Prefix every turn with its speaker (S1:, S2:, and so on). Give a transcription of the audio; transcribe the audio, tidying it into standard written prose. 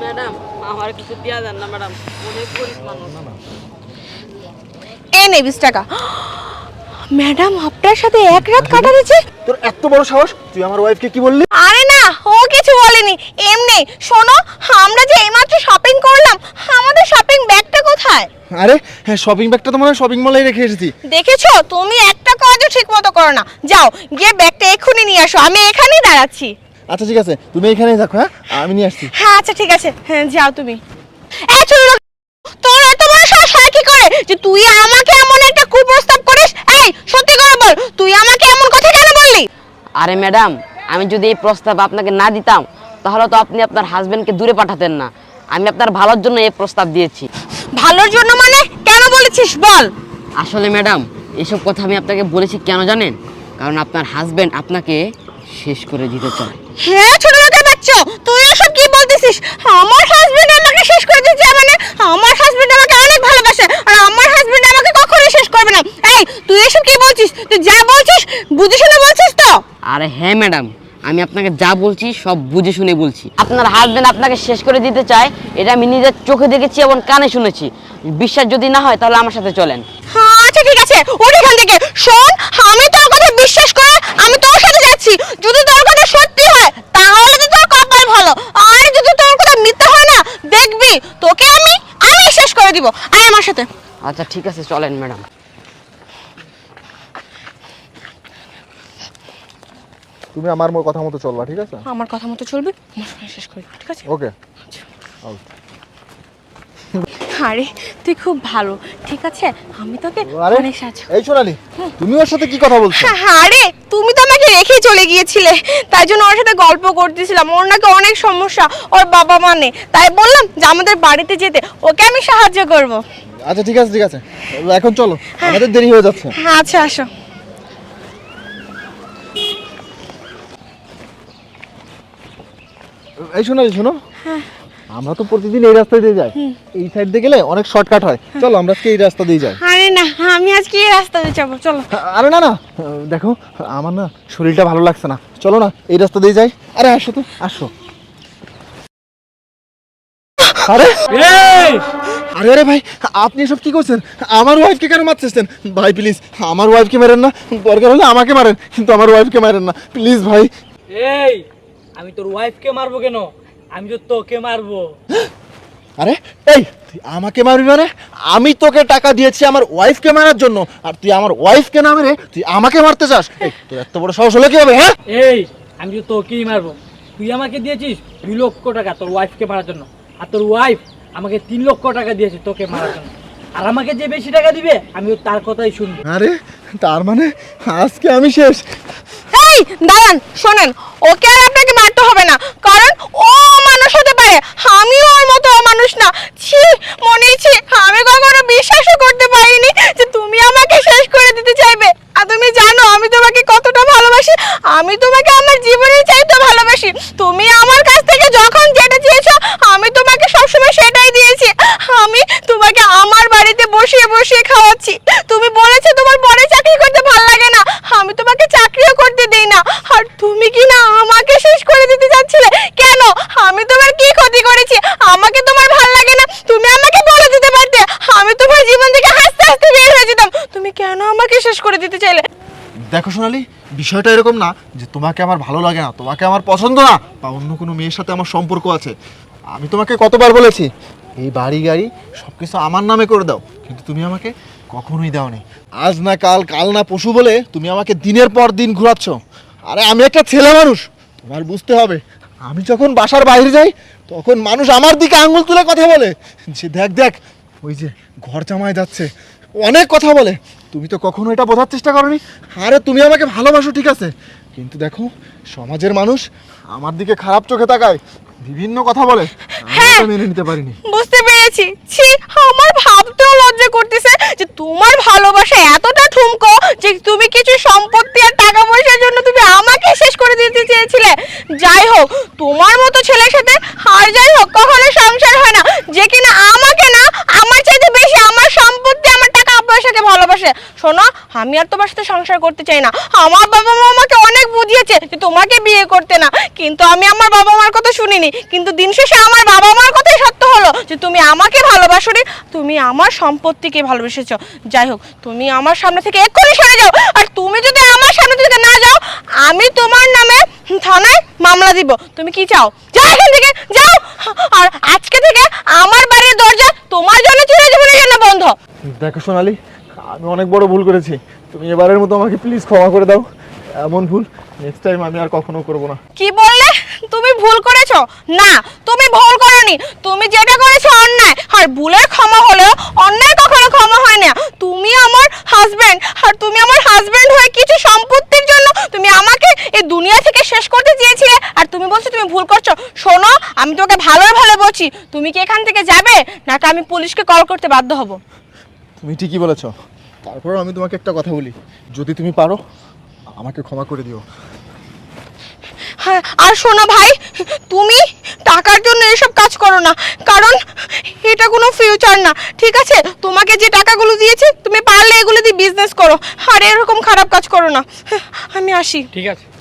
S1: Madam আমার কিছু দেয়া দেন না ম্যাডাম, অনেক গরিব মানুষ।
S2: এই নে 20 টাকা। ম্যাডাম আপনার সাথে এক রাত কাটাতেছে?
S3: তোর এত বড় সাহস, তুই আমার ওয়াইফকে কি বললি?
S2: আরে না, ও কিছু বলেনি, এমনি। শোনো, আমরা যে এইমাত্র শপিং করলাম, আমাদের শপিং ব্যাগটা কোথায়?
S3: আরে হ্যাঁ, শপিং ব্যাগটা তো মনে হয় শপিং মলেই রেখে এসেছি।
S2: দেখেছো, তুমি একটা কাজও ঠিক মতো করো না। যাও গিয়ে ব্যাগটা এক্ষুনি নিয়ে আসো, আমি এখানেই দাঁড়াচ্ছি।
S3: আচ্ছা ঠিক আছে, তুমি এখানেই থাকো, হ্যাঁ আমি নিয়ে আসছি।
S2: হ্যাঁ আচ্ছা ঠিক আছে, হ্যাঁ যাও তুমি। এই ছোট লোক, তোর এত বড় সাহস হয় কি করে যে তুই আমাকে এমন একটা কুপ্রস্তাব করিস? এই সত্যি করে বল, তুই আমাকে এমন কথা কেন বললি?
S1: আরে ম্যাডাম, আমি যদি এই প্রস্তাব আপনাকে না দিতাম তাহলে তো আপনি আপনার হাজবেন্ডকে দূরে পাঠাতেন না। আমি আপনার ভালোর জন্য এই প্রস্তাব দিয়েছি।
S2: ভালোর জন্য মানে? কেন বলেছিস বল।
S1: আসলে ম্যাডাম, এসব কথা আমি আপনাকে বলেছি কেন জানেন? কারণ আপনার হাজবেন্ড আপনাকে শেষ করে দিতে চায়।
S2: হ্যাঁ ছোট লোকের বাচ্চা, তুই এসব কি বলতেছিস? আমার হাজবেন্ড আমাকে শেষ করে দিতে চায় মানে? আমার হাজবেন্ড আমাকে অনেক ভালোবাসে, আর আমার হাজবেন্ড আমাকে কখনোই শেষ করবে না। এই তুই এসব কি বলছিস? তুই যা বলছিস বুঝে শুনে বলছিস তো?
S1: আরে হ্যাঁ ম্যাডাম, আমি আপনাকে যা বলছি সব বুঝে শুনে বলছি। আপনার হাজবেন্ড আপনাকে শেষ করে দিতে চায়, এটা আমি নিজের চোখে দেখেছি এবং কানে শুনেছি। বিশ্বাস যদি না হয় তাহলে আমার সাথে চলেন।
S2: হ্যাঁ আচ্ছা ঠিক আছে, ওঠ এখান থেকে। শোন, আমি তোর কথা বিশ্বাস করে আমি তোর সাথে যাচ্ছি। যদি তোর কথা সত্যি হয় তাহলে তো তোর কপাল ভালো, আর যদি তোর কথা মিথ্যা হয় না, দেখবি তোকে আমি শেষ করে দিব। আয় আমার সাথে।
S1: আচ্ছা ঠিক আছে, চলেন ম্যাডাম।
S3: তুমি আমার কথা মতো চলবা, ঠিক আছে?
S2: আমার কথা মতো চলবি, শেষ করে দিব, ঠিক আছে?
S3: ওকে।
S2: আরে তুই খুব ভালো, ঠিক আছে, আমি তোকে
S3: আরে
S2: অনেক সাহায্য।
S3: এই সোনালি, তুমি ওর সাথে কি কথা বলছো?
S2: আরে তুমি তো আমাকে রেখে চলে গিয়েছিলে, তাই জন্য ওর সাথে গল্প করতেছিলাম। ওর নাকি অনেক সমস্যা, ওর বাবা মানে, তাই বললাম যে আমাদের বাড়িতে যেতে, ওকে আমি সাহায্য করব।
S3: আচ্ছা ঠিক আছে ঠিক আছে, এখন চলো, আমাদের দেরি হয়ে যাচ্ছে।
S2: হ্যাঁ আচ্ছা আসো।
S3: এই সোনালি শোনো, আমরা তো প্রতিদিন এই রাস্তা দিয়ে যাই, এই সাইড দিয়ে গেলে অনেক শর্টকাট হয়। চলো আমরা আজকে এই রাস্তা দিয়ে যাই।
S2: আরে না, আমি আজকে এই রাস্তা দিয়ে যাবো, চলো।
S3: আরে না না, দেখো আমার না শরীরটা ভালো লাগছে না, চলো না এই রাস্তা দিয়ে যাই। আরে আসো তো, আসো। আরে আরে আরে ভাই, আপনি এসব কি করছেন? আমার ওয়াইফকে কেন মারতেছেন? ভাই প্লিজ আমার ওয়াইফকে মারেন না, দরকার হলে আমাকে মারেন, কিন্তু আমার ওয়াইফকে মারেন না প্লিজ ভাই।
S4: এই আমি তোর ওয়াইফকে মারবো কেন? আমি তো তোকে মারবো।
S3: আরে এই তুই আমাকে মারবি মানে? আমি তোকে টাকা দিয়েছি আমার ওয়াইফকে মারার জন্য, আর তুই আমার ওয়াইফকে না মেরে তুই আমাকে মারতে চাস? এই তোর এত বড় সাহস হলো কি হবে? হ্যাঁ
S4: এই আমি তো তোকেই মারবো। তুই আমাকে দিয়েছিস 2 লক্ষ টাকা তোর ওয়াইফকে মারার জন্য, আর তোর ওয়াইফ আমাকে 3 লক্ষ টাকা দিয়েছে তোকে মারার জন্য। আর আমাকে যে বেশি টাকা দিবে আমিও তার কথাই শুনবো।
S3: আরে তার মানে আজকে আমি শেষ।
S2: এই দাঁড়ান, শোনেন, ওকে আর আপনাকে মারতে হবে না, কারণ ও মানুষ হতে পারে, আমিও ওর মতো মানুষ না। ছি মনেছি, আমি কখনো বিশ্বাসও করতে পারিনি যে তুমি আমাকে শেষ করে দিতে চাইবে। আর তুমি জানো আমি তোমাকে কতটা ভালোবাসি, আমি তোমাকে আমার জীবনের চাইতে ভালোবাসি। তুমি আমার কাছ থেকে যখন যেটা চেয়েছো আমি তোমাকে সবসময় সেটাই দিয়েছি। আমি তোমাকে আমার বাড়িতে বসিয়ে বসিয়ে খাওয়াচ্ছি। তুমি বলেছো তোমার বড় চাকরি করতে ভালো লাগে না, আমি তোমাকে চাকরিও করতে দেই না, আর তুমি কি না আমাকে শেষ করে দিতে যাচ্ছিলে? কেন? আমি তোমার কি ক্ষতি করেছি? আমাকে তোমার ভালো লাগে না, তুমি আমাকে বলে দিতে পারতে, আমি তোমার জীবন থেকে হাসতে হাসতে বের হয়ে যেতাম। তুমি কেন আমাকে শেষ করে দিতে চাইলে?
S3: দেখো সোনালি, বিষয়টা এরকম না যে তোমাকে আমার ভালো লাগে না, তোমাকে আমার পছন্দ না, বা অন্য কোনো মেয়ের সাথে আমার সম্পর্ক আছে। আমি তোমাকে কতবার বলেছি এই বাড়ি গাড়ি সব কিছু আমার নামে করে দাও, কিন্তু তুমি আমাকে কখনোই দাওনি। আজ না কাল, কাল না পশু বলে তুমি আমাকে দিনের পর দিন ঘোরাচ্ছ। আরে আমি একটা ছেলে মানুষ, তোমার বুঝতে হবে। আমি যখন বাসার বাইরে যাই তখন মানুষ আমার দিকে আঙুল তুলে কথা বলে যে দেখ দেখ ওই যে ঘর জামাই যাচ্ছে, অনেক কথা বলে। তুমি তো কখনো এটা বোঝার চেষ্টা করোনি। আরে তুমি আমাকে ভালোবাসো ঠিক আছে, কিন্তু দেখো সমাজের মানুষ আমার দিকে খারাপ চোখে তাকায়, বিভিন্ন কথা বলে, আমি এটা মেনে নিতে পারিনি।
S2: বুঝতে পেরেছি। ছি, আমার ভাবতেও লজ্জা করতেছে যে তোমার ভালোবাসা এতটা ঠুমকো যে তুমি কিছু সম্পত্তি আর টাকা পয়সার জন্য তুমি আমাকে শেষ করে দিতে চেয়েছিলে। যাই হোক, তোমার মতো ছেলের সাথে আর যাই হোক কখনো সংসার হয় না যে কিনা আমাকে না, আমার চাইতে বেশি আমার সম্পত্তি আমার টাকা পয়সাকে ভালোবাসে। ভালোবাসে। শোনো, আমি আর তোমার সাথে সংসার করতে চাই না। আমার বাবা মা আমাকে অনেক বুঝিয়েছে যে তোমাকে বিয়ে করতে না, কিন্তু আমি আমার বাবা মার কথা শুনিনি। কিন্তু দিন শেষে আমার বাবা মার কথাই সত্য হলো যে তুমি আমাকে ভালোবাসোনি, তুমি আমার সম্পত্তিকে ভালোবেসেছো। যাই হোক, তুমি আমার সামনে থেকে এক্ষুনি সরে যাও। আর তুমি যদি আমার সামনে থেকে না যাও, আমি তোমার নামে থানায় মামলা দিব। তুমি কি চাও? যাও এখান থেকে, যাও। আর আজকে থেকে আমার বাড়ির দরজা তোমার জন্য চিরজীবনের জন্য বন্ধ।
S3: দেখো সোনালি, আমি অনেক বড় ভুল করেছি, তুমি এবারের মতো আমাকে প্লিজ ক্ষমা করে দাও। এমন ভুল নেক্সট টাইম আমি আর কখনো করব না।
S2: কি বললে? তুমি ভুল করেছো? না, তুমি ভুল করোনি। তুমি যেটা করেছো অন্যায়, আর ভুলের ক্ষমা হলেও অন্যায় কখনো ক্ষমা হয় না। তুমি আমার হাজবেন্ড, আর তুমি আমার হাজবেন্ড হয়ে কিছু সম্পত্তির জন্য তুমি আমাকে এই দুনিয়া থেকে শেষ করতে চেয়েছিলে, আর তুমি বলছো তুমি ভুল করছো। শোনো, আমি তোমাকে ভালো ভালো বলছি, তুমি কি এখান থেকে যাবে, নাকি আমি পুলিশকে কল করতে বাধ্য হব?
S3: তুমি ঠিকই বলেছ। তারপর আমি তোমাকে একটা কথা বলি, যদি তুমি পারো আমাকে ক্ষমা করে দিও।
S2: হ্যাঁ, আর শোনো ভাই, তুমি টাকার জন্য এসব কাজ করো না, কারণ এটা কোনো ফিউচার না, ঠিক আছে? তোমাকে যে টাকাগুলো দিয়েছে, তুমি পারলে এগুলো দিয়ে বিজনেস করো, আর এরকম খারাপ কাজ করো না। আমি আসি।
S4: ঠিক আছে।